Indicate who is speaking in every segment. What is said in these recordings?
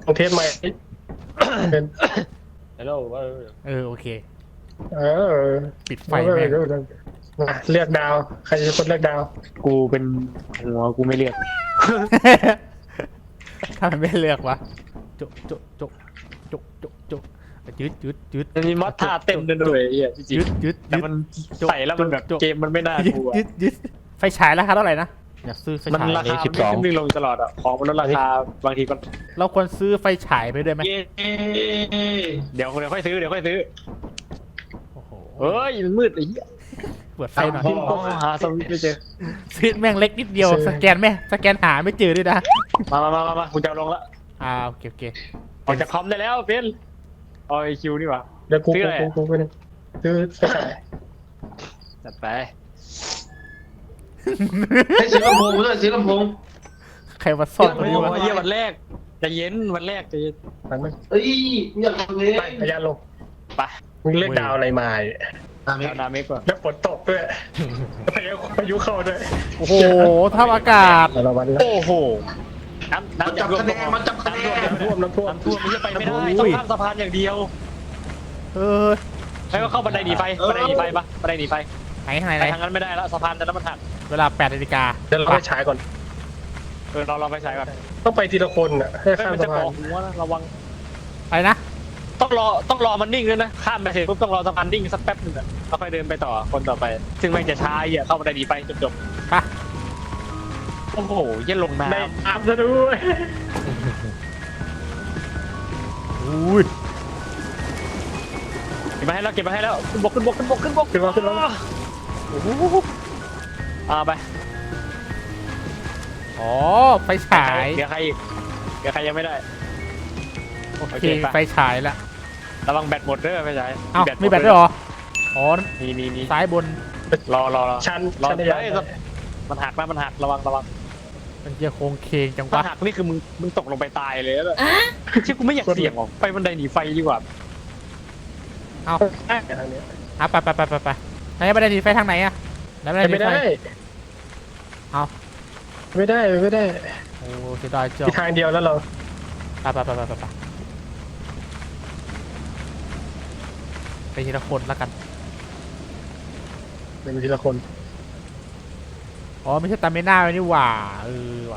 Speaker 1: องเทสใหม่เป็น
Speaker 2: ฮัลโหล
Speaker 3: โอเค
Speaker 1: เออ
Speaker 3: ปิดไฟแม่ง
Speaker 1: เลือกดาวใครจะคนเลือกดาว
Speaker 2: กูเป็นหัวกูไม่เรียก
Speaker 3: ถ้ามันไม่เลือกวะจุจุจุจุจุจุยืด
Speaker 2: มันมีมอสท่าเต็มเลยด้วยไอ้เหี้ยจริง
Speaker 3: ยืด
Speaker 2: ๆแต่มันใส่แล้วมันแบบเกมมันไม่น่าดูอะ
Speaker 3: ยืดไฟฉายราคาเท่าไหร่นะอยากซื้อไฟ
Speaker 2: มัน
Speaker 3: ฉาย
Speaker 2: ราคาไม่ขึ้นลงตลอดอ่ะของมันลดราคาบางทีก็
Speaker 3: เราควรซื้อไฟฉายไปด้วยไหม
Speaker 2: เดี๋ยวค่อยซื้อ
Speaker 3: โอ้โห
Speaker 2: เฮ้ยมันมืดไอ้เหี้ย
Speaker 3: เปิดไฟหน่อย
Speaker 2: หาสวิตช์ไม่เจอ
Speaker 3: ซื้อแม่งเล็กนิดเดียวสแกนหาไม่เจอด้วยนะ
Speaker 2: มากูจะเอาลงละ
Speaker 3: โอเค
Speaker 2: ออกจากคอมได้แล้วเป็นเอาไอคิวนี่หว่า
Speaker 1: เดี๋ยวกู
Speaker 2: ซื้ออะไร
Speaker 1: ไปนึงซื้อไปขาย
Speaker 2: จัดไป
Speaker 4: ให้ซื้อลำโพงด้วยซื้อลำโพง
Speaker 3: ใครมาซ่อนตรง
Speaker 2: โอ้
Speaker 3: นี้วะ
Speaker 2: ยเยี่ยวันแรกจะเย็นวันแรกจะเย็น
Speaker 1: มันไม่
Speaker 4: เอ้ยอยากทำเลย
Speaker 1: ไปพยานลง
Speaker 2: ไป
Speaker 1: มึงเลือกดาวอะไรมาเนี่ย
Speaker 2: เอานาเมกก่อน
Speaker 1: แล้วฝนตกด้วยพายุเข้าด้วย
Speaker 3: โอ้โหทับอากาศ
Speaker 1: ระวังนะ
Speaker 2: โอ้โหน้ำ
Speaker 4: มันจับคะแนนมันจับคะแนน
Speaker 1: น้ำท่วม
Speaker 2: น้ำท่วมมันจะไปไม่ได้ต้องข้ามสะพานอย่างเดียว
Speaker 3: เออ
Speaker 2: แล้วก็เข้าบันไดหนีไฟบันไดหนีไฟปะบันไดหนีไฟ
Speaker 3: ไหนข้างใน
Speaker 2: ไปทางนั้นไม่ได้แล้วสะพานจะแล้วมันหัก
Speaker 3: เวลา8 นาฬิกา
Speaker 1: เดี๋ยวเราไปฉายก่อน
Speaker 2: เราไปใช้ก่อน
Speaker 1: ต้องไปทีละคนอ่ะให้ข้าม
Speaker 2: มัน
Speaker 1: สะ
Speaker 2: จะ
Speaker 1: พา
Speaker 2: ก่อน หัวนะระวัง
Speaker 3: อะไรนะ
Speaker 2: ต้องรอมันนิ่งด้วยนะข้ามไปเสร็จปุ๊บต้องรอสะพานนิ่งสักแป๊บหนึงอะแล้วค่อยเดินไปต่อคนต่อไป ซึ่งแม่งจะช้าเข้าบันไดหนีไฟจบ
Speaker 3: ไป
Speaker 2: โอ้โหเย็นลงน้
Speaker 1: ได้อาบซะด้วย
Speaker 3: อุ้ย
Speaker 2: ำเก็บมาให้แล้วขึ้นบก
Speaker 1: ขึ้นมา
Speaker 2: โอ้โหไป
Speaker 3: อ๋อไฟฉาย
Speaker 2: เดี๋ยวใครอีกเดี๋ยวใครยังไม่ได้
Speaker 3: โอ
Speaker 2: โอ
Speaker 3: เค
Speaker 2: เคไป
Speaker 3: ไฟฉายละ
Speaker 2: ระวังแบตหมดเด้อไม่ใช่
Speaker 3: เอ้ามีแบตด้วยเหรออ๋อ
Speaker 2: มี
Speaker 3: ซ้ายบน
Speaker 2: รอ
Speaker 1: ชั้น
Speaker 2: รอ
Speaker 1: ชั้น
Speaker 2: เฮ้
Speaker 1: ใหญ่
Speaker 2: ยมันหักระวัง
Speaker 3: มันจะโค้งเคงจัง
Speaker 2: ถ้าว
Speaker 3: ะ
Speaker 2: หักนี่คือมึงตกลงไปตายเลยแล้วชิบกูไม่อยากเสี่ยงหรอกไปบันไดหนีไฟดีกว่า
Speaker 3: เอา
Speaker 1: ทางนี้
Speaker 3: ไปไหนบันไดหนีไฟทางไหนอะไหนบันไดหนี
Speaker 1: ไม่
Speaker 3: ไฟ
Speaker 1: ได้
Speaker 3: เอา
Speaker 1: ไม่ได้
Speaker 3: โอ้เสียดายจัง
Speaker 1: มีทางเดียวแล้วเรา
Speaker 3: ไปทีละคนแล้วกัน
Speaker 1: เป็นทีละคน
Speaker 3: อ๋อไม่ใช่ตามไม่น่าเลยนี่หว่าว่ะ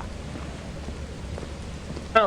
Speaker 1: อ้าว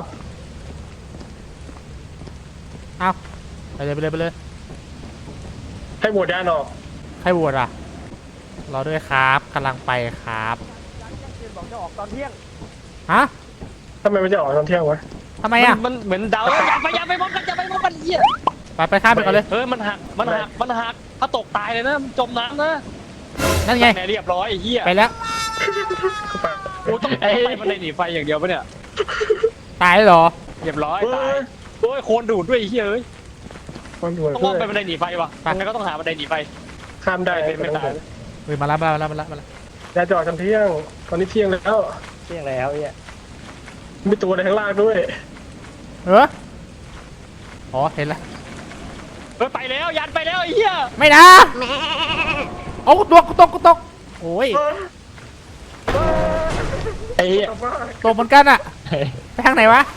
Speaker 3: เอาไปเลย
Speaker 1: ให้โหวตด้านออก
Speaker 3: ใครโหวตอ่ะรอด้วยครับกำลังไปครับ
Speaker 2: บอกจะออกตอนเที่ยง
Speaker 3: ฮะ
Speaker 1: ทำไมมันจะออกตอนเที่ยงวะ
Speaker 3: ทำไมอ่ะ
Speaker 2: มันเหมือนเดาอย่าไปมองกันเหี้ย
Speaker 3: ไปข้ามไปก่อนเลย
Speaker 2: เฮ้ยมันหักถ้าตกตายเลยนะจมน้ำนะ
Speaker 3: นั่นไง
Speaker 2: แม่เรียบร้อยไอ้เหี้ย
Speaker 3: ไปแล้ว
Speaker 1: เข้าไป
Speaker 2: โอ้ต้องไปบันไดหนีไฟอย่างเดียวปะเนี่ย
Speaker 3: ตายเหรอ
Speaker 2: เรียบร้อยตายโอ้ยโคนดูดด้วยไอ้เหี้ยเอ้ย
Speaker 1: คนด่วน
Speaker 2: ต้องมองไปบันไดหนีไฟวะยังไงก็ต้องหาบันไดหนีไฟ
Speaker 1: ข้ามได้
Speaker 2: ไม่ตาย
Speaker 3: เฮ้ยมาแล้ว
Speaker 1: อย่าจอดตอนเที่ยง ตอนนี้เที่ยงแล้ว
Speaker 2: เที่ยงแล้วไอ้เหี้ย
Speaker 1: มีตัวอะไรข้างล่างด้วย
Speaker 3: อ๋อเห็นแล้ว
Speaker 2: ไปแล้วยันไปแล้วไอ้เหี้ย
Speaker 3: ไม่นะเอากูตกโอ้ย
Speaker 2: ไอ้เหี้ย
Speaker 3: ตกเหมือนกันอ่ะไปทางไหนวะ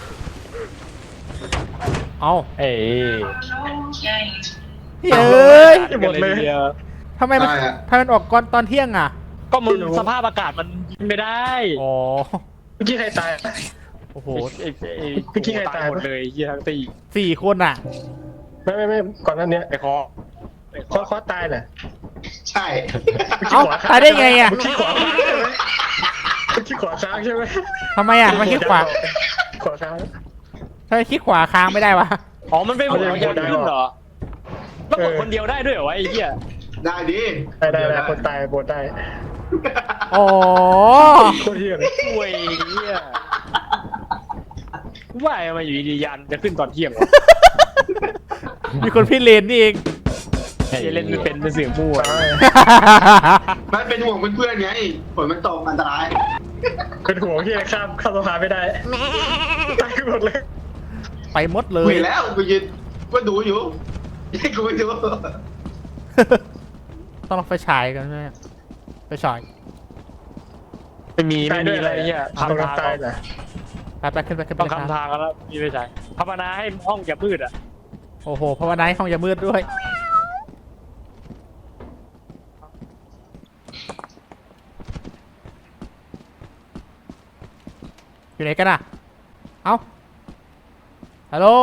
Speaker 3: เอา
Speaker 2: เอ้ย
Speaker 3: เฮ้ย
Speaker 1: หมดเลย
Speaker 3: ทำไมมันออกก่อนตอนเที่ยงอ่ะ
Speaker 2: ก็มึงสภาพอากาศมันไม่ได้
Speaker 3: อ๋อ
Speaker 1: เมื่อกี้ใครตาย
Speaker 3: โอ้โห
Speaker 1: เมื่อกี้ใครตาย
Speaker 2: หมดเลยเหี้ยทั้งตี
Speaker 3: 4 คนอ่ะ
Speaker 1: ไม่ก่อนหน้านี้
Speaker 2: ไอ้คอ
Speaker 1: คอตายน่ะ
Speaker 4: ใช่
Speaker 3: เอ้าตายได้ไงอ่ะ
Speaker 1: เมื่อกี้ขวาค้างใช่ไหมเมื่อกี้ขวาค้างใช่ไหม
Speaker 3: ทำไมอ่ะมันคลิกขวา
Speaker 1: ขวาค้าง
Speaker 3: ทำไมคลิกขวาค้างไม่ได้วะ
Speaker 2: อ๋อมันเป็นหัวยันขึ้นเหรอแล้วกดคนเดียวได้ด้วยเหรอวะไอ้เหี้ย
Speaker 4: ได้ดิ
Speaker 1: ได้คนตายโบนได้
Speaker 3: อ๋อ
Speaker 1: โคตรเที่ยง
Speaker 2: โอ้ยเหี้ยว่าทำไมาอยู่ดีๆยันจะขึ้นตอนเที่ยงวะ
Speaker 3: มีคนพี่เลนนี่เอง
Speaker 2: เล่นไม่เป็นเสียงมั่ว
Speaker 4: มันเป็นห่วงเพื่อนๆไงฝนมันตกอันตราย
Speaker 1: เป็นห่วงที่ข้ามสะพานไม่ได้ตายหมดเลย
Speaker 3: ไปหมดเล
Speaker 4: คุ
Speaker 3: ย
Speaker 4: ยแล้วกูยืนก็ดูอยู่ให้กูไปดู
Speaker 3: ต้องลองไฟฉายกันไหมไฟฉาย
Speaker 2: ไม่มีอะไรเงี้ย
Speaker 1: ตายน่ะ
Speaker 3: ไปขึ้นไปขึ้นไป
Speaker 2: ต้องคำทางกันแล้วมีไม่ใช่ภาวนาให้ห้องอย่ามืดอ่ะ
Speaker 3: โอ้โหภาวนาให้ห้องอย่ามืดด้วยอยู่ไหนกันอ่ะเอ้าฮัลโหล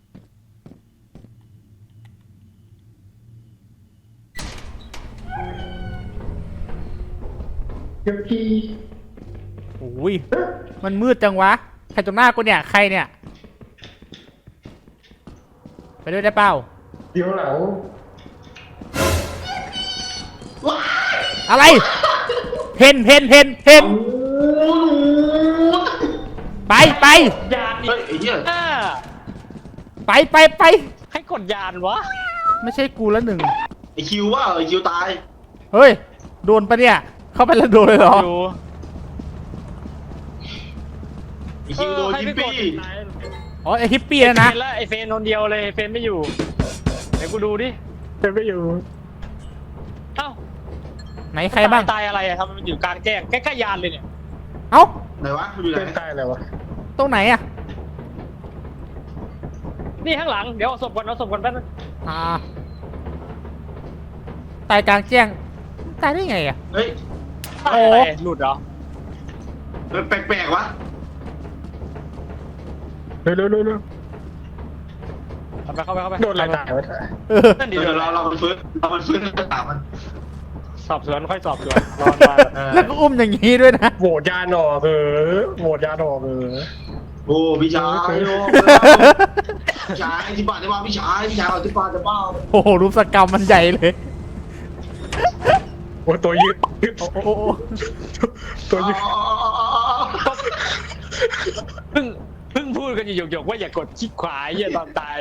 Speaker 1: เดี๋ยวพี่
Speaker 3: โอ้ยมันมืดจังวะใครตรงหน้ากูเนี่ยใครเนี่ยไปด้วยได้เปล่า
Speaker 1: เดี๋ยวหลัง
Speaker 3: อะไรเพนไป
Speaker 2: ยานอี
Speaker 4: เฮ้ย
Speaker 2: ก
Speaker 4: ไอ้เหี้ย
Speaker 3: ไป
Speaker 2: ให้กดยานวะ
Speaker 3: ไม่ใช่กูแล้วหนึ่ง
Speaker 4: ไอ้คิวว่าไอ้คิวตาย
Speaker 3: เฮ้ยโดนปะเนี่ยเข้าไปแล้วโดนเลยเหรอ
Speaker 2: อยู่
Speaker 4: ไอ้คิวโดนยิปปี้
Speaker 3: อ๋อไอฮิปปี้นะ
Speaker 2: เฟนแล้วไอเฟนคนเดียวเลยเฟนไม่อยู่เดี๋ยวกูดูดิ
Speaker 1: เป็นไม่อยู่
Speaker 2: เอ้า
Speaker 3: ไหนใครบ้าง
Speaker 2: ตายอะไรอะทำไมมันอยู่กลางแจ้งใกล้ๆยานเลยเนี่ย
Speaker 3: เอ้า
Speaker 4: ไหนวะอยู่ไหน
Speaker 1: เป็นตายอะไรวะ
Speaker 3: ตรงไหนอะ
Speaker 2: นี่ข้างหลังเดี๋ยวเอาศพก่อนแป๊บนึง
Speaker 3: ตายกลางแจ้งตายได้ไงอะ
Speaker 4: เฮ้ย
Speaker 3: โอ้
Speaker 2: อะไรหลุดเหรอ
Speaker 4: มันแปลกๆวะ
Speaker 1: เร็ว
Speaker 2: เข้าไป
Speaker 1: โดนอะไรตายวะ
Speaker 3: เออ
Speaker 2: นั่นดิ
Speaker 4: เดี๋ยวเรามันฟื้นก็ตามมัน
Speaker 2: สอบสวนค่อยสอบสวนรอมา
Speaker 3: แล้วก็อุ้มอย่างนี้ด้วยนะ
Speaker 1: โหวตยาหนอกโหวตยาหนอก
Speaker 4: โอ้พี่ชายโอ้พี่ชายที่บ้านได้บ้าพี่ชายเอาที่บ้านจะบ้า
Speaker 3: โอ้โหรูปสกรรมมันใหญ่เลย
Speaker 1: โอ้ตัวยืด
Speaker 3: โอ้โห
Speaker 1: ตัวยืด
Speaker 2: เพิ่งพูดกันอยู่หยกๆว่าอย่ากดคลิกขวาไอ้เหี้ยตอนตาย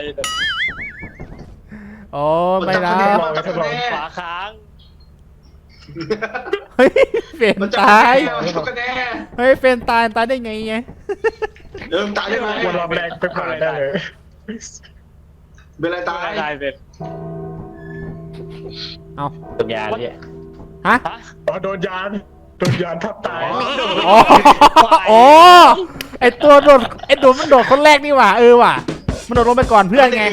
Speaker 3: โอ้ไม่นะ
Speaker 2: ขวาค้าง
Speaker 3: เฮ้ยเฟน
Speaker 4: มันจะ
Speaker 3: ตาย
Speaker 4: มันจะแน่
Speaker 3: เฮ้ยเฟนตายได้ไงไง
Speaker 4: เดิมตายได้ไหม
Speaker 1: วนรอบแรกไปผ่านได้เลย
Speaker 4: เป็นไรตาย
Speaker 2: ตายเป็น
Speaker 3: เอา
Speaker 2: ตัวยานเนี่ย
Speaker 3: ฮะ
Speaker 2: ฮะ
Speaker 1: อ๋อโดนยานทับตาย
Speaker 3: อ๋ออ๋อไอตัวโดดมันโดดคนแรกนี่หว่าว่ะมันโดดลงไปก่อนเพื่อนไง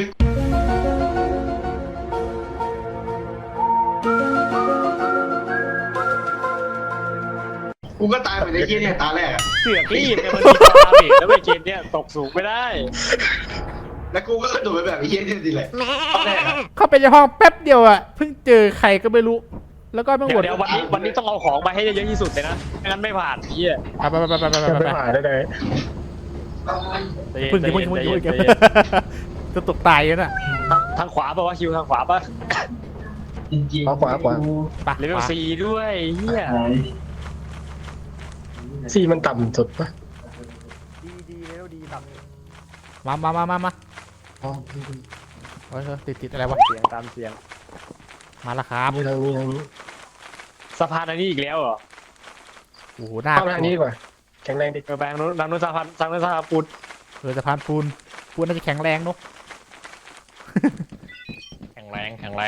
Speaker 4: กูก็ตายเหมือนไอ้เหี้ยเนี่ยตาแรก
Speaker 2: เสือกรีบเนี่ยมันมีตาเบรกแล้วไปเกมเนี่ยตกสูงไม่ได้
Speaker 4: แล้วกูก็กระโดดไปแบบไอ้เหี้ยเนี่ยสิแหละตอนแรก
Speaker 3: เข้าไปในห้องแป๊บเดียวอ่ะเพิ่งเจอใครก็ไม่รู้ แล้วก็ไม่หมด
Speaker 2: เดี๋ยววันนี้ต้องเอาของมาให้เยอะที่สุดเลยนะไม่งั้นไม่ผ่านพี่อ่ะ
Speaker 3: ไป
Speaker 1: ไม่ผ่านได้เลย
Speaker 3: พึ่งจะตกตายแล้วน่ะ
Speaker 2: ทางขวาป่ะวะคิวทางขวาป่ะ
Speaker 1: ขวา
Speaker 3: ไป
Speaker 2: เลเวลซีด้วยเฮีย
Speaker 1: ซีมันต่ำสุดปะ
Speaker 3: ดีแล้วดีแบบมาเฮ้ยติดอะไรวะ
Speaker 2: เสียงตามเสียง
Speaker 3: มาแล้วครับ
Speaker 1: ทางนี้
Speaker 2: สะพานอันนี้อีกแล้วเหรอ
Speaker 3: โอ้โหหน้า
Speaker 1: เข้าทางนี้ดีกว่าแข็งแรงดิ
Speaker 2: ไปทางนู้นสะพานปูน
Speaker 3: สะพานปูนน่าจะแข็งแรงเนาะ
Speaker 2: แข็งแรง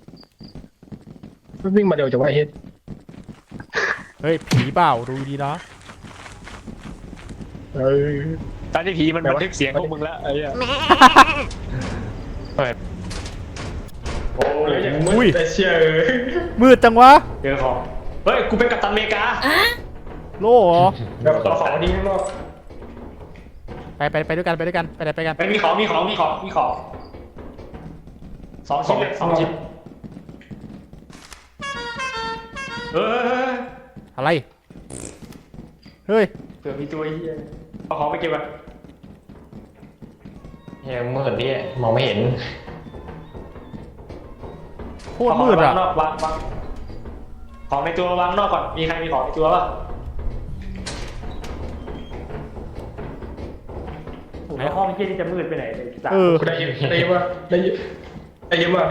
Speaker 1: วิ่งมาเร็วจะว่าเฮ็ด
Speaker 3: เฮ้ยผีเปล่าดูดีนะ
Speaker 2: ตอนที่ผีมันบันทึกเสียงพวกมึงแล้วไอ้เหี้ยเปิด
Speaker 1: โอ้ยแต่เชื่อ
Speaker 3: มืดจังวะ
Speaker 2: เจอของเฮ้ยกูเป็นกัปตันอเมริกา
Speaker 3: โล่เหรอ
Speaker 1: แบบต่อของดีข้างนอก
Speaker 3: ไปด้วยกันไปไหนไปกัน
Speaker 2: มีของ2 ชิ้นเลย2 ชิ้นเฮ้ย
Speaker 3: อะไรเฮ้ย
Speaker 2: เผื่อมีตัวไอ้เหี้ยเอาของไปเก็บไว้
Speaker 5: เฮ้ยมืดดิมองไม่เห็น
Speaker 3: โคตรมืดอ่ะ
Speaker 2: วางของในตัววางนอกก่อนมีใครมีของในตัวป่ะไหนห้องที่จะมืดไปไหนเลย
Speaker 1: ได้เยอะมากได้เยอะมาก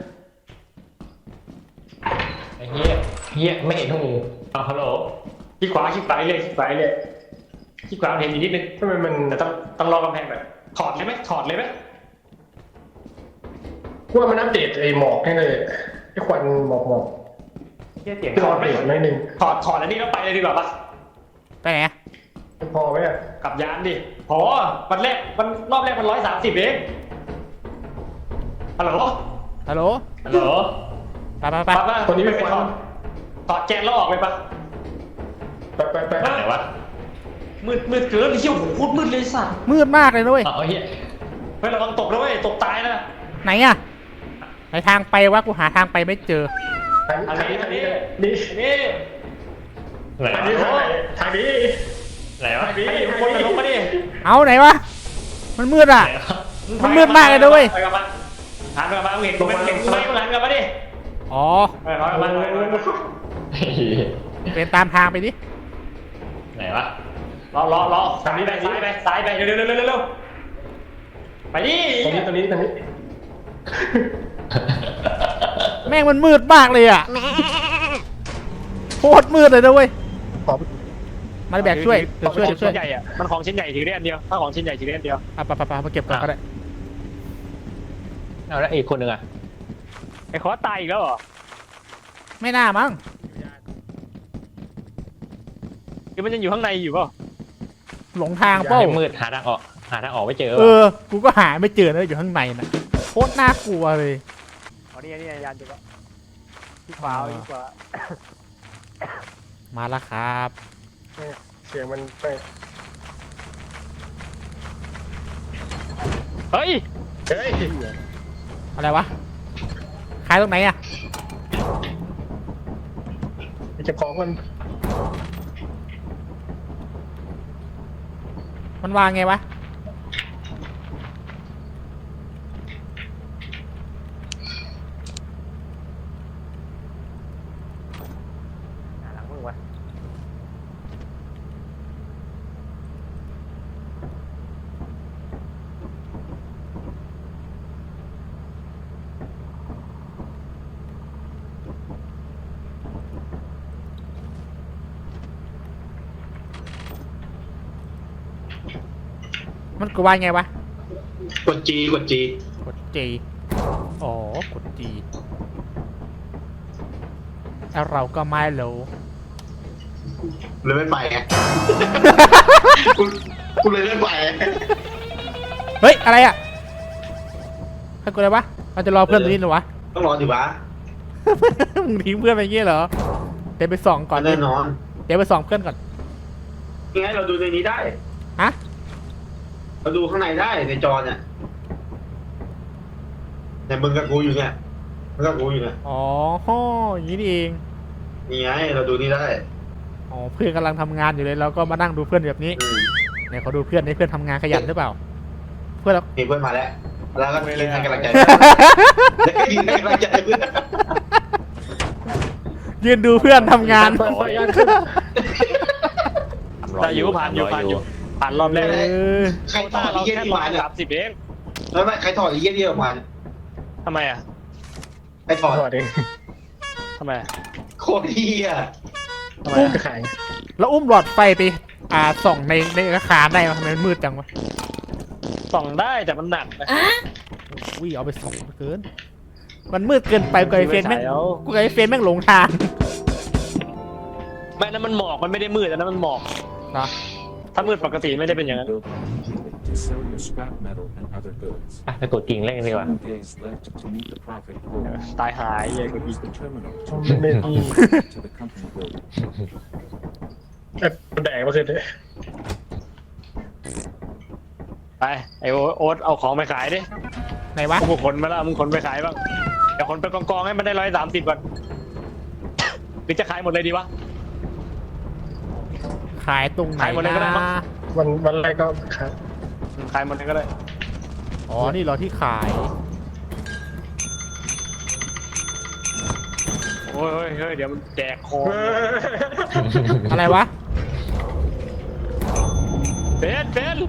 Speaker 5: ไอ้เหี้ยไม่เห็นพวกมึง
Speaker 2: ฮัลโหลคลิกขวาเลยคลิกขวาเห็นอีกนิดนึง
Speaker 1: ทำไมมัน
Speaker 2: แต่ต้องรอกำแพงแบบถอดเลยไหม
Speaker 1: กูว่ามันอัปเดตไอ้หมอกให้เลยไอ้ควันหมอก
Speaker 2: เสียง
Speaker 1: ที่
Speaker 2: ถ
Speaker 1: เรา
Speaker 2: อด
Speaker 1: อัป
Speaker 2: ไหม
Speaker 1: เดตนิดนึง
Speaker 2: ถอดแล้วนี่แล้วไปเลยดีกว่าปะ
Speaker 3: ไปไหน
Speaker 1: พอไหมอ่ะ
Speaker 2: กลับยานดิพอวันแรกมันรอบแรกมัน130เองฮัลโหล
Speaker 3: ฮัลโหล
Speaker 2: ฮัลโหล
Speaker 3: ไปไปไป
Speaker 2: ปั๊บป่ะคนนี้ไม่ไปถอดแกนแล้วออกไปปะ
Speaker 1: ไป
Speaker 5: ไหนวะ
Speaker 2: มืดเกินไอ้เหี้ยโหโคตรมืดเลยสัตว์
Speaker 3: มืดมากเลยนะเว้ย
Speaker 5: เอาเฮีย
Speaker 2: เฮ้ยระวังตกนะเว้ยตกตายนะ
Speaker 3: ไหนอะไหนทางไปวะกูหาทางไปไม่เจอ
Speaker 2: อันนี้
Speaker 1: นี่
Speaker 2: อันนี้
Speaker 5: ไหน
Speaker 1: ทางนี้
Speaker 5: วะ
Speaker 1: ทางนี้
Speaker 5: ไหนวะ
Speaker 2: อันนี้คนมันลงมาดิ
Speaker 3: เอาไหนวะมันมืดอะ
Speaker 5: ไหนวะ
Speaker 3: มันมืดมากเลยนะเว้ย
Speaker 2: ไปกับมันหันไปกับมันเห็นกูไหมเห็นกูไหมมึงหันกลับมาดิ
Speaker 3: อ๋อ
Speaker 2: ไปกับมัน
Speaker 3: เป็นตามทางไปดิ
Speaker 5: ไหนวะ
Speaker 2: ล้อทางนี้ไปซ้ายไปเร็วไปดิ
Speaker 1: ตรงนี้
Speaker 3: แม่งมันมืดมากเลยอะโคตรมืดเลยนะเว้ย
Speaker 1: ขอ
Speaker 3: มาแบกช่วยเดี๋ยวช่วย
Speaker 2: ชิ้นใหญ่อะมันของชิ้นใหญ่ถือได้อันเดียวถ้าของชิ้นใหญ่ถือได้อันเดียว
Speaker 3: อ่ะไปมาเก็บก่อนก็ได้
Speaker 5: เอาแล้วอีกคนหนึ่งอ่ะ
Speaker 2: ไอ้คอตายอีกแล้วเหรอ
Speaker 3: ไม่น่ามั้ง
Speaker 2: คือมันยังอยู่ข้างในอยู่เปล่า
Speaker 3: หลงทางเป้า
Speaker 5: มืดหาทางออกไม่เจอ
Speaker 3: เออ กูก็หาไม่เจอนะอยู่ข้างในนะโคตรน่ากลัวเลย
Speaker 2: อ๋อนี่ยานจุดละที่ขวาที่ขวา
Speaker 3: มาแล้วครับ
Speaker 1: เสียงมันไป
Speaker 2: เฮ้ย
Speaker 1: เฮ้ย
Speaker 3: อะไรวะขายตรงไหนอะ
Speaker 1: เก็บของมัน
Speaker 3: มันวางไงวะ
Speaker 2: หลังมึงวะ
Speaker 3: มันกูวางไงวะ
Speaker 4: กดจี
Speaker 3: กด G อ๋อ กด G แล้วเราก็ไม่รู้
Speaker 4: เลยไม่ไปไงกูเลยไม่ไป
Speaker 3: เฮ้ย อะไรอ่ะให้กูเลยวะเราจะรอเพื่อนตรงนี้เหรอวะ
Speaker 4: ต้องรออยู่วะ
Speaker 3: มึงทิ้งเพื่อนไปอย่างงี้เหรอ เดี๋ยวไปส่องก่อน
Speaker 4: แน่นอน
Speaker 3: เดี๋ยวไปส่องเพื่อนก่อน
Speaker 4: ยังไงเราดูในนี้ได้
Speaker 3: ฮะ
Speaker 4: เราดูข้างในได้ในจอเนี่ยแต่มึงกับกูอยู่เนี่ยมึงกับกูอยู่เนี่ย
Speaker 3: อ๋ออย่างนี้นี่เอง
Speaker 4: นี่ไงเราดูนี่ได้
Speaker 3: อ๋อ เพื่อนกำลังทำงานอยู่เลยเราก็มานั่งดูเพื่อนแบบนี้
Speaker 4: อืม
Speaker 3: เนี่ยเขาดูเพื่อนให้เพื่อนทำงานขยันหรือเปล่า เพื่อนเรา
Speaker 4: มีเพื่อนมาแล้ว แล้วก็ยืนให้กำลังใจแล้วก็ยืนให้กำลังใจเพื่อน
Speaker 3: ยืนดูเพื่อนทำงาน
Speaker 2: แต่อยู่ผ่านรอบแรก
Speaker 3: เออ
Speaker 4: ใครถอดไอ้เยี่ย
Speaker 2: แค่
Speaker 4: ที่มาเนี่ย
Speaker 2: 30เอง
Speaker 4: แล้วไม่ใครถอดไอ้เยี่ยที่ออกมา
Speaker 2: ทำไมอ่ะ
Speaker 4: ใครถอด
Speaker 1: ถอดเอง
Speaker 2: ทำไม
Speaker 4: โคตรเที่ย
Speaker 1: ทำไมจะขาย
Speaker 3: แล้วอุ้มหลอดไฟไปส่องในอาคารได้ไหมทำไมมันมืดจังวะ
Speaker 2: ส่องได้แต่มันหนักนะ
Speaker 3: วิ่งเอาไปส่องเกิน มันมืดเกินไปกูไอเฟนแม่ง
Speaker 2: ไม่ใช่แล้ว
Speaker 3: กูไอเฟนแม่งหลงทาง
Speaker 2: ไม่นั้นมันหมอกมันไม่ได้มืดอันนั้นมันหมอก
Speaker 3: นะ
Speaker 2: ถ้ามืดปกติไม่ได้เป็นอย่างนั้น
Speaker 6: to sell your scrap metal and other goods.
Speaker 5: อ่ะไปกดกิ่งเล่นกันดีกว่า
Speaker 6: 2 days left to meet the profit goal.
Speaker 2: ตายหายเลยกู
Speaker 6: Use the terminal to
Speaker 1: ไม่
Speaker 6: to the company building.
Speaker 1: แดกมาคืนเลย
Speaker 2: ไปไอโอ๊ตเอาของไปขายดิ
Speaker 3: ไหนวะ
Speaker 2: มึงขนมาแล้วมึงขนไปขายบ้างเดี๋ยวขนไปกองๆให้มันได้130ก่อนหรือจะขายหมดเลยดีวะ
Speaker 3: ขายตรงไหน
Speaker 2: ขายหมดเลยก็ได้มั้
Speaker 3: นะ
Speaker 2: ง
Speaker 1: วันแรกก็ขาย
Speaker 2: ขายหมดเลยก็ได้
Speaker 3: อ๋อ นี่เหรอที่ขาย
Speaker 2: โอ้ยเฮ้ยเดี๋ยวมันแจกของ
Speaker 3: อะไรวะ
Speaker 2: เฟน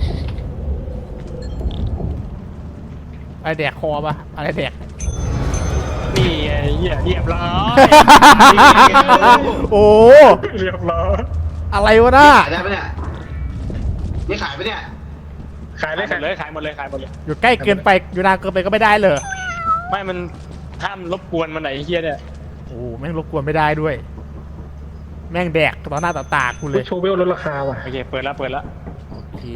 Speaker 3: อะไรแดกคอปะอะไรแดก
Speaker 2: นี่ไงเหี้ยเรียบร้อย
Speaker 3: โอ้
Speaker 1: เรียบร้อย
Speaker 3: อะไรวะน่า
Speaker 4: ขายได้ปะเนี่ยนี่ขายปะเนี่ย
Speaker 1: ขาย
Speaker 2: ขาย
Speaker 1: ได้
Speaker 2: หมดเลยขายหมดเลย
Speaker 3: อยู่ใกล้เกินไป อยู่นานเกินไปก็ไม่ได้เลย
Speaker 2: ไม่มันห้ามรบกวนมันไหนเฮียเนี่ย
Speaker 3: โอ้แม่งรบกวนไม่ได้ด้วยแม่งแดกต่อหน้าต่อตากูเลย
Speaker 1: โชว์เวลลดราคาว่ะ
Speaker 2: โอเคเปิดแล้วเปิดแล้ว
Speaker 3: โอเค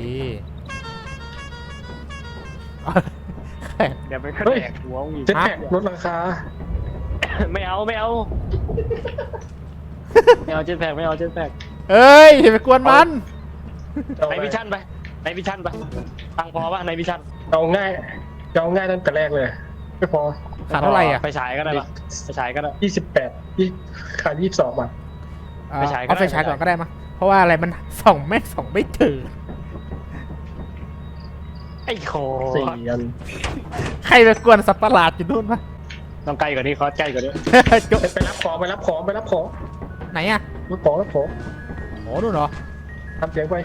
Speaker 2: เดี๋ยวไปขึ้นแดกหัวมึงอีก
Speaker 1: เจ็ตแพ็กลดราคา
Speaker 2: ไม่เอาไม่เอาไม่เอาเจ็ตแพ็กไม่เอาเจ็ตแพ็ก
Speaker 3: เอ้ยอย่าไปกวนมัน
Speaker 2: ในวิชั่นไปในวิชั่นไปตังค์พอป่ะในวิชั่น
Speaker 1: เอาง่ายตั้งแต่แรกเลยไม่พอ
Speaker 3: ขาดเท่าไหร่อ่ะ
Speaker 2: ไปฉายก็ได้ปะไปฉายก็ได้
Speaker 1: 28ขาด22บาท
Speaker 2: ไฟฉายก็
Speaker 3: เอา
Speaker 2: ได้
Speaker 3: ไฟฉายก่อนก็ได้มาเพราะว่าอะไรมันส่องไม่เจอ
Speaker 2: ไอ้โค
Speaker 1: 4 อัน
Speaker 3: ใครไปกวนสัตว์ประหลาดอยู่นู่นปะ
Speaker 2: ต้องใกล้กว่านี้คอสใกล้กว่านี้
Speaker 3: จบ
Speaker 1: ไปรับของไปรับของ
Speaker 3: ไหนอ่ะ
Speaker 1: รับของ
Speaker 3: โอ้นู่นเหรอ
Speaker 1: ทำเสียงไป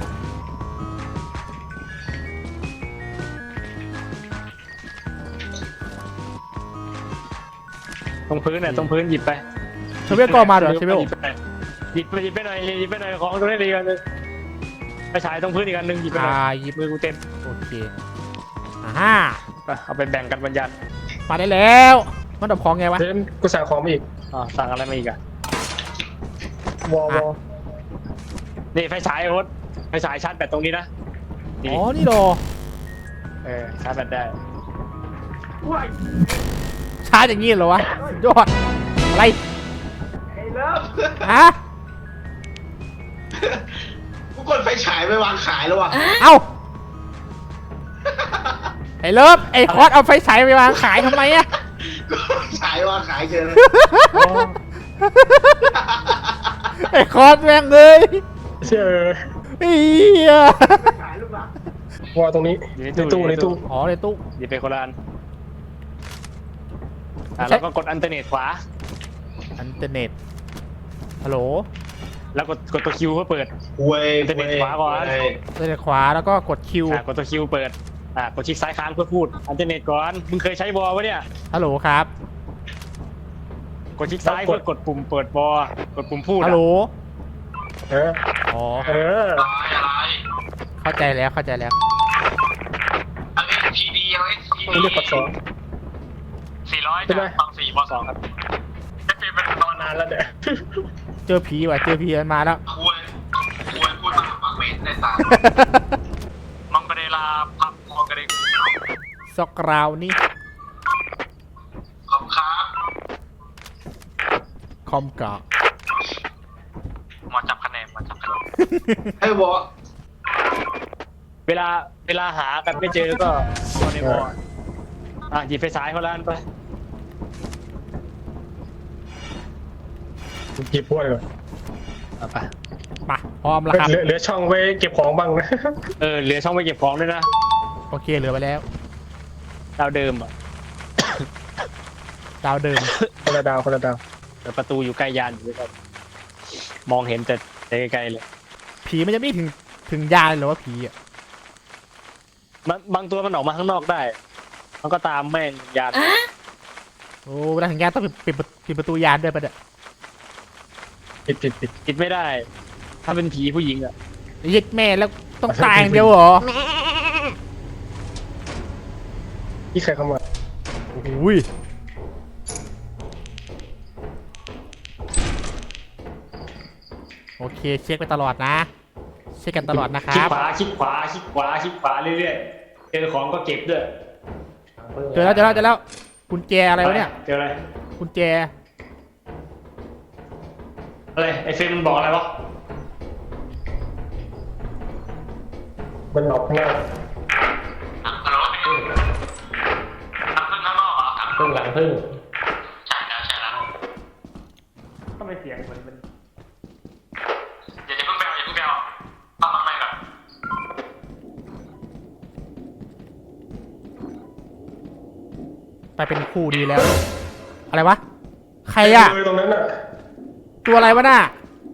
Speaker 2: ตรงพื้นเนี่ยตรงพื้นหยิบไป
Speaker 3: เชเวลก็มาเหรอเชเวล
Speaker 2: หยิบไปหน่อยของตรงนี้ดีกันเลยไปฉายตรงพื้นอีกอันหนึ่งหยิบไปหน่อย
Speaker 3: หยิบ
Speaker 2: มือกูเต็ม
Speaker 3: โอเคฮ่า
Speaker 2: ไปเอาไปแบ่งกันบรรยัติ
Speaker 3: มาได้แล้วมันดับของไงวะ
Speaker 1: เดี๋ยวกูสั่งของมาอีก
Speaker 2: สั่งอะไรมาอีกอะ
Speaker 1: วอ
Speaker 2: นี่ไฟฉายโอ๊ตไฟฉายชาร์จแบตตรงนี้นะ
Speaker 3: อ๋อนี่เหรอ
Speaker 2: ชาร์จแบตได้
Speaker 3: ชาร์จอย่างงี้เหรอวะสุดยอดอะไรฮะ
Speaker 4: กูกดไฟฉายไปวางขายแล้วว่ะ
Speaker 3: เอ้าไอ้เลิฟไอ้คอสเอาไฟฉายไปวางขายทำไมอะ
Speaker 4: ฉายวางขายเกิน
Speaker 3: ไอ้คอสแม่งเลย
Speaker 1: เชื่อ
Speaker 3: เฮียว
Speaker 1: อตรงนี้ในตู้
Speaker 3: อ๋อในตู้
Speaker 2: หยิบไปคนละอันแล้วก็กดอันเทอร์เน็ตขวา
Speaker 3: อินเทอร์เน็ตฮัลโหล
Speaker 2: แล้วกดตัวคิวเพื่อเปิด
Speaker 4: เว้ย
Speaker 2: จะเป็นขวาก่อน
Speaker 3: อินเทอร์เน็ตขวาแล้วก็กดคิว
Speaker 2: กดตัวคิวเปิดกดคลิกซ้ายค้างเพื่อพูดอันเทอร์เน็ตก่อนมึงเคยใช้วอลปะเนี่ย
Speaker 3: ฮัลโหลครับ
Speaker 2: กดคลิกซ้ายเพื่อกดปุ่มเปิดวอลกดปุ่มพูด
Speaker 3: ฮัลโหล
Speaker 1: เออ
Speaker 3: อ๋อ
Speaker 4: อะไร
Speaker 3: เข้าใจแล้วเข้าใจแล้ว
Speaker 4: อะไรทีดีอะไรที
Speaker 1: ไม่
Speaker 4: ดี
Speaker 1: เรียกกดสอง
Speaker 2: 400จากฟัง4วอล2ครับจะเป็นตอน
Speaker 1: นานแล้วเดี๋ยว
Speaker 3: เจอผีว่ะเจอผีมันมาแล้ว
Speaker 4: ควรพูดมาปากเมนในตา
Speaker 2: มังกรเดลาพับมังกรเด
Speaker 3: ซอกราวนี่
Speaker 4: ขอบครับ
Speaker 3: คอมกะ
Speaker 2: หมอจับคะแนน
Speaker 4: ไอ้บอ
Speaker 2: เวลาหากันไม่เจอก็กดในวอลหยิบไฟฉายคนละอันไป
Speaker 1: หยิบพวกเลย
Speaker 2: ไป
Speaker 3: มาพร้อมแล้วครับ
Speaker 1: เหลือช่องไว้เก็บของบ้างนะ
Speaker 2: เหลือช่องไว้เก็บของด้วยนะ
Speaker 3: โอเคเหลือไปแล้ว
Speaker 2: ดาวเดิมอ่ะ
Speaker 3: ดาวเดิม
Speaker 1: คนละดาว
Speaker 2: แต่ประตูอยู่ใกล้ยานอยู่ด้วยกันมองเห็นแต่ไกลๆเลย
Speaker 3: ผีมันจะไม่ถึงยานเลยเหรอว่าผีอ่ะ
Speaker 2: บางตัวมันออกมาข้างนอกได้ มันก็ตามแม่งยาน
Speaker 3: โอ้เวลาถึงยานต้องปิดประตูยานด้วยปะเนี่ย
Speaker 1: ปิด
Speaker 2: ปิดไม่ได้ ถ้าเป็นผีผู้หญิงอ่ะ
Speaker 3: ยึดแม่แล้วต้องตายอย่างเดียวเหรอ
Speaker 1: ที่ใครเข้ามา
Speaker 3: อุ้ยโอเคเช็คไปตลอดนะ เช็คกันตลอดนะค
Speaker 2: คลิ
Speaker 3: รั
Speaker 2: ก
Speaker 3: บ
Speaker 2: ขวาคลิกขวาคลิกขวาคลิกขวาเรื่อยๆเจอของก็เก็บด้วย
Speaker 3: เจอแล้วกุญแจอะไรวะเนี่ย
Speaker 2: เจออะไร
Speaker 3: กุญแจ
Speaker 2: อะไรไอเฟรมมันบอกอะไรวะ
Speaker 1: มันหลอกข้างหน้า
Speaker 5: พึ่งหลังพึ่ง
Speaker 2: ทำไมเสียงเหมือนมัน
Speaker 4: อย่าเพิ่งแบวทำอะไรก่อน
Speaker 3: ไปเป็นคู่ดีแล้ว อะไรวะ ใครอ่ะ
Speaker 1: เลยตรงนั้นอ่ะ
Speaker 3: ตัวอะไรวะน่ะ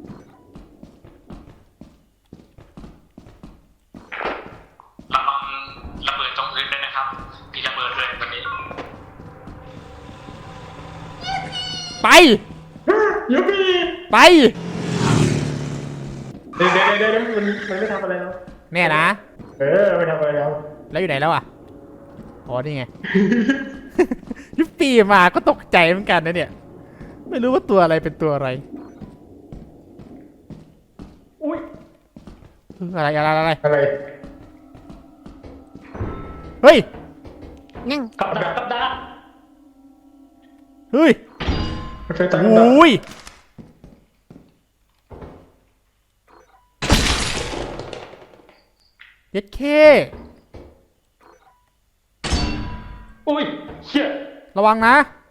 Speaker 4: ระวังระเบิดตรงพื้นด้วยนะครับมีระเบิดเลยวันนี้
Speaker 3: ไป
Speaker 1: ยูบี้
Speaker 3: ไป
Speaker 1: เดี๋ยวมันไม่ทำอะไรแล้ว
Speaker 3: แน่นะ
Speaker 1: ไม่ทำอะไรแล้ว
Speaker 3: แล้วอยู่ไหนแล้วอ่ะ อ๋อ นี่ไง ยุบปีมาก็ตกใจเหมือนกันนะเนี่ย ไม่รู้ว่าตัวอะไรเป็นตัวอะไรอะไร
Speaker 1: อะไร
Speaker 3: เฮ้ย
Speaker 2: กับดัก
Speaker 3: เฮ้ย
Speaker 1: รถไฟใต้
Speaker 3: โอ
Speaker 1: ดิน้
Speaker 3: ยเย็ดเค
Speaker 2: อุ้ยเชี่ย
Speaker 3: ระวังนะ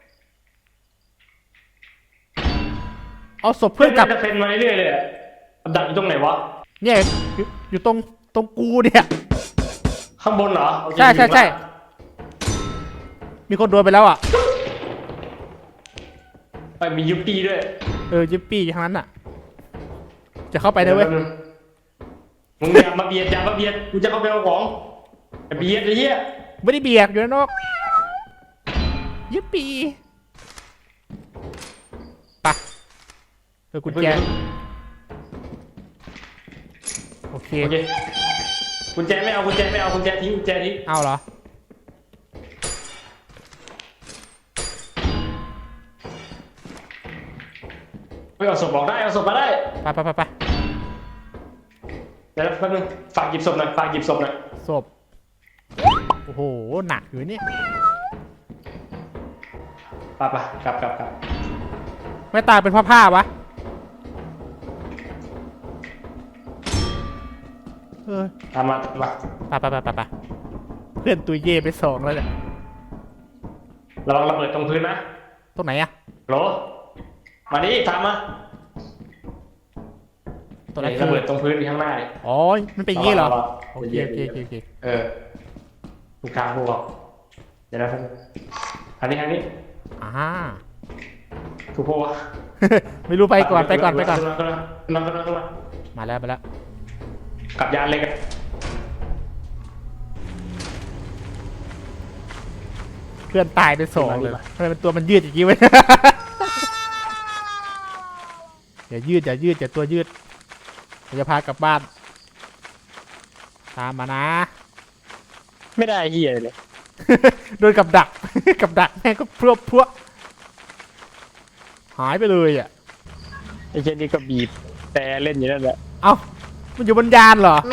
Speaker 3: เอาศพเพื่อนกลับ
Speaker 2: จะเป็นมาเรื่อยๆเลยอะกับดักอยู่ตรงไหนวะ
Speaker 3: เนี่ยอยู่ตรงกูเนี่ย
Speaker 2: ข้างบนเหรอโอเค
Speaker 3: ใช่ มีคนโดนไปแล้วอ่ะ
Speaker 2: ไปมียุปปี้ด้วย
Speaker 3: ยิปปี้ทั้งนั้นอ่ะ จะเข้าไปได้เว้ย
Speaker 2: มึงอย่ามาเบียดกูจะเข้าไปเอาของอย่าเบียดไอ้เหี้ย
Speaker 3: ไม่ได้เบียกอยู่ด้านนอกยิปปี้ไปะกุญแจโอเค
Speaker 2: โอเคกุญแจไม่เอากุญแจทิ้งกุญแจทิ้ง
Speaker 3: เอาเหรอ
Speaker 2: เอาศพบอกได้เอาศพมาได้
Speaker 3: ไป
Speaker 2: เดี๋ยวแป๊บนึงฝากหยิบศพหน่อย
Speaker 3: ศพ โอ้โห หนักอยู่เนี่ย
Speaker 2: ไปกลับ
Speaker 3: ไม่ตายเป็นผ้าวะ
Speaker 2: ตามมา
Speaker 3: ไปเพื่อนตุยเย่ไป2แล้วเนี่ย
Speaker 2: ระวังระเบิดตรงพื้นนะ
Speaker 3: ตรงไหนอะ
Speaker 2: โหลมาดิตามมา
Speaker 3: ตรงไหน
Speaker 2: ระเบิดตรงพื้นข้างหน้าดิ
Speaker 3: อ๋อ มันเป็นอย่างงี้เหรอ
Speaker 2: ระวัง
Speaker 3: โอเค
Speaker 2: ถูกทางพวกเราเดี๋ยวนะทางนี้
Speaker 3: อ่า
Speaker 2: ถูกพวกวะ
Speaker 3: ไม่รู้ไปก่อน
Speaker 2: ขึ้นมา
Speaker 3: มาแล้ว
Speaker 2: กลับยานเลยกัน
Speaker 3: เพื่อนตายไป2เลยทำไมเป็นตัวมันยืดอย่างงี้วะ อย่ายืดอย่าตัวยืดเราจะพากลับบ้าน ตามมานะ
Speaker 2: ไม่ได้เหี้ยเลย
Speaker 3: โดนกับดัก กับดักแม่งก็พรวหายไปเลยอ่ะ
Speaker 2: ไอ้เช่นนี้ก็บีบแต่เล่นอยู่นั่นแหละ
Speaker 3: เอ้า มันอยู่บนยานเหรอ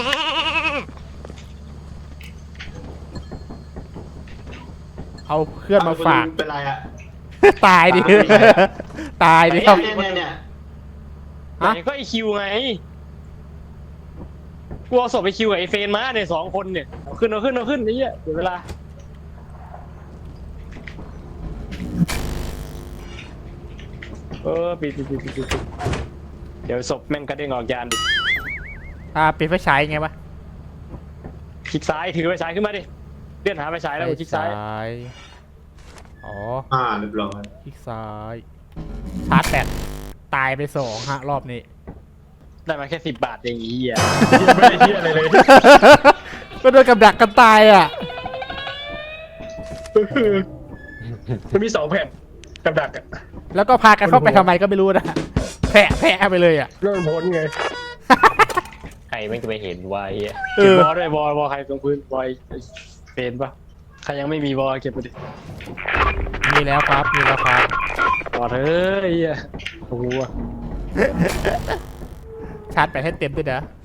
Speaker 3: เอาเพื่อนมาฝาก
Speaker 4: เป็นไรอะ
Speaker 3: ตายดิ ตายดิครับ
Speaker 4: เนี่ย
Speaker 3: ฮะ
Speaker 2: ไหนก็ไอคิวไงกูเอาศพไอคิวกับไอเฟนมาเนี่ย2 คนเนี่ยเอาขึ้นนี่เหี้ยเดี๋ยวเวลาปิดเดี๋ยวศพแม่งกระเด้งออกยานดิ
Speaker 3: ปิดไฟฉายไงวะ
Speaker 2: คลิกซ้ายถือไฟฉายขึ้นมาดิเลื่อนหาไฟฉายแล้วกดคลิกซ้าย
Speaker 3: ยอ๋อ
Speaker 4: เรียบร้อย
Speaker 3: คลิกซ้าย ชาร์จแบตตายไป2 ฮะ รอบนี้
Speaker 2: ได้มาแค่10 บาทเองไอ้เหี้ย
Speaker 1: ไม่ได้เที่ยอะไรเลย
Speaker 3: ก็โดนกับดักกันตายอ่ะ
Speaker 1: มันมี2 แผ่นกับดักอะ
Speaker 3: แล้วก็พากันเข้าไปทำไมก็ไม่รู้นะ แพะไปเลยอ่ะ
Speaker 1: เริ่มพ้นไง
Speaker 5: ใครไม่จะไปเห็นวายอ่ะ
Speaker 3: เอ
Speaker 2: เก็บ
Speaker 3: อ
Speaker 2: บอลด้วยบอลใครตรงพื้นบอลไอ้เฟนปะใครยังไม่มีบอลเก็บไปดิ
Speaker 3: มีแล้วครับ
Speaker 2: บอลเฮ้ยไอ้เหี้ยโอ้โห
Speaker 3: ชาร์จแบตให้เต็มด้วยนะ